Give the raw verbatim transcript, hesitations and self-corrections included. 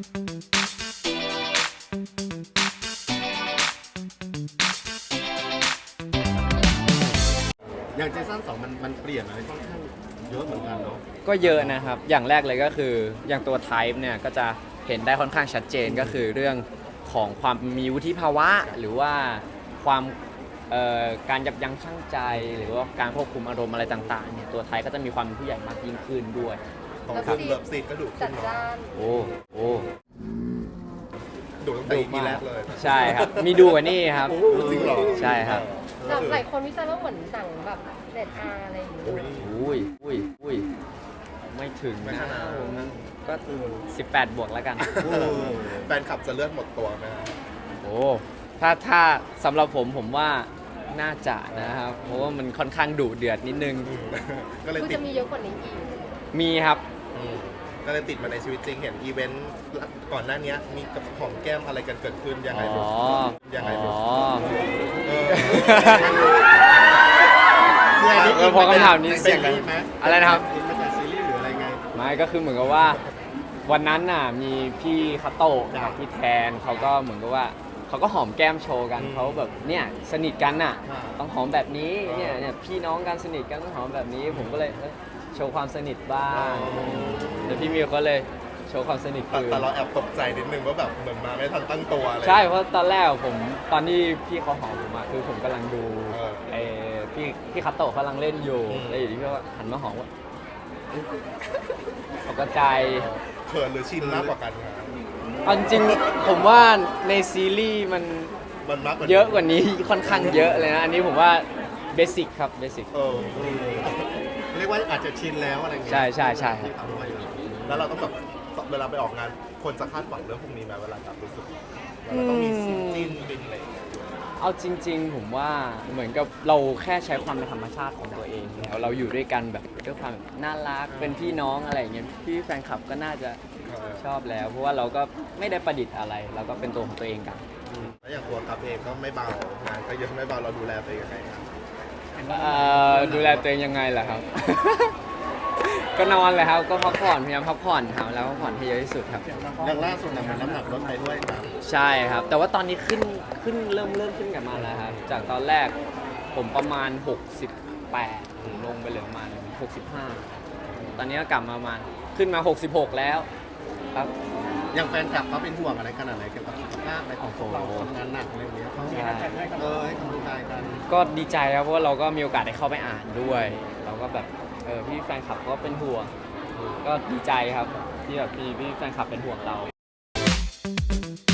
อย่างเจสันสองมันมันเปลี่ยนอะไรค่อนข้างเยอะเหมือนกันเนาะก็เยอะนะครับอย่างแรกเลยก็คืออย่างตัว Type เนี่ยก็จะเห็นได้ค่อนข้างชัดเจนก็คือเรื่องของความมีวุฒิภาวะหรือว่าความเอ่อการยับยั้งชั่งใจหรือว่าการควบคุมอารมณ์อะไรต่างๆเนี่ยตัวไทยก็จะมีความเป็นผู้ใหญ่มากยิ่งขึ้นด้วยของคุณเลิฟซีดก็ดุขึ้จันดเนาะจ้านโอ้โอ้ดุตั้งแต่อีพีแรกเลยใช่ครับมีดูกว่านี่ครับโอ้จริงเหรอใช่ครับแต่หลายคนวิจารณ์ว่าเหมือนหนังแบบเด็ดอาร์อะไรอย่างเงี้ยอุ้ยอุ้ยอุ้ยไม่ถึงไม่นะขนาดผมนั้นก็สิบแปดบวกแล้วกันแฟนคลับจะเลือดหมดตัวไหมครับโอ้ถ้าถ้าสำหรับผมผมว่าน่าจะนะครับเพราะว่ามันค่อนข้างดุเดือดนิดนึงก็เลยคือติดจะมีเยอะกว่านี้อีกมีครับอืมก็เลยติดมาในชีวิตจริงเห็นอีเวนต์ก่อนหน้านี้มีกับของแก้มอะไรกันเกิดขึ้นยังไงอ๋ลูอกยังไงลูอ๋กอเออเออพอคำถามนี้เสี่ยงเป็นไหมอะไรนะครับอินมาจากซีรีส์หรืออะไรไงไม่ก็คือเหมือนกับว่าวันนั้นน่ะมีพี่คาโตะกับพี่แทนเขาก็เหมือนกับว่าเขาก็หอมแก้มโชว์กันอืมเขาแบบเนี่ยสนิทกันน่ะอ่าต้องหอมแบบนี้อ่าเนี่ยเนี่ยพี่น้องกันสนิทกันต้องหอมแบบนี้ ผมก็เลยเอ้ยโชว์ความสนิทบ้างแล้วพี่มิวก็เลยโชว์ความสนิทแต่คืนแต่เราแอบตกใจนิดนึงว่าแบบเหมือนมาไม่ทันตั้งตัวอะไรใช่เพราะตอนแรกผมตอนที่พี่เขาหอมผมอะคือผมกำลังดูเออไอ้พี่พี่คาโตะกำลังเล่นอยู่อืมแล้วอยู่ดีพี่ก็หันมาหอมว่าตกใจเขินหรือชินมากกว่ากันครับเอาจริงๆผมว่าในซีรีส์มันมันมากกว่าเยอะกว่านี้ ค่อนข้างเยอะเลยนะ อันนี้ผมว่าเบสิกครับเบสิกเออเรียกว่าอาจจะชินแล้วอะไรเงี้ยใช่ใช่ใช่ครับแล้วเราต้องแบบเวลาไปออกงานคนจะคาดหวังเรื่องพวกนี้ไหมเวลาแบบรู้สึกเราต้องมีซีนจิ้นบินอะไรอย่างเงี้ยเอาจริง ๆ ผมว่าเหมือนกับเราแค่ใช้ความเป็นธรรมชาติของตัวเองแล้วเราอยู่ด้วยกันแบบด้วยความแบบน่ารักเป็นพี่น้องอะไรอย่างเงี้ยพี่แฟนคลับก็น่าจะชอบแล้ว เพราะว่าเราก็ไม่ได้ประดิษฐ์อะไร เราก็เป็นตัวของตัวเองกันอืมแล้วอย่างตัวกับเองก็ไม่เบางานก็เยอะไม่เบาเราดูแลตัวเองยังไงครับเอ่อดูแลตัวเองยังไงล่ะครับ ก็นอนเลยครับก็พักผ่อนพยายามพักผ่อนครับแล้วพักผ่อนให้เยอะที่สุดครับอย่างล่าสุดนะมันน้ำหนักลดไปด้วยครับใช่ครับ แต่ว่าตอนนี้ขึ้นขึ้นเริ่มเริ่มขึ้นกลับมาแล้วครับ จากตอนแรกผมประมาณ หกสิบแปด ลงไปเหลือประมาณ หกสิบห้า ตอนนี้ก็กลับมาประมาณขึ้นมา หกสิบหก แล้วครับอย่างแฟนคลับเขาเป็นห่วงอะไรขนาดไหนเกี่ยวกับสุขภาพอะไรของพวกเราทำงานหนักอะไรอย่างเงี้ยเขาใช่เออให้กำลังใจกันก็ดีใจครับเพราะว่าเราก็มีโอกาสได้เข้าไปอ่านด้วย เราก็แบบเออพี่แฟนคลับก็เป็นห่วง ก็ดีใจครับที่แบบพี่พี่แฟนคลับเป็นห่วงเรา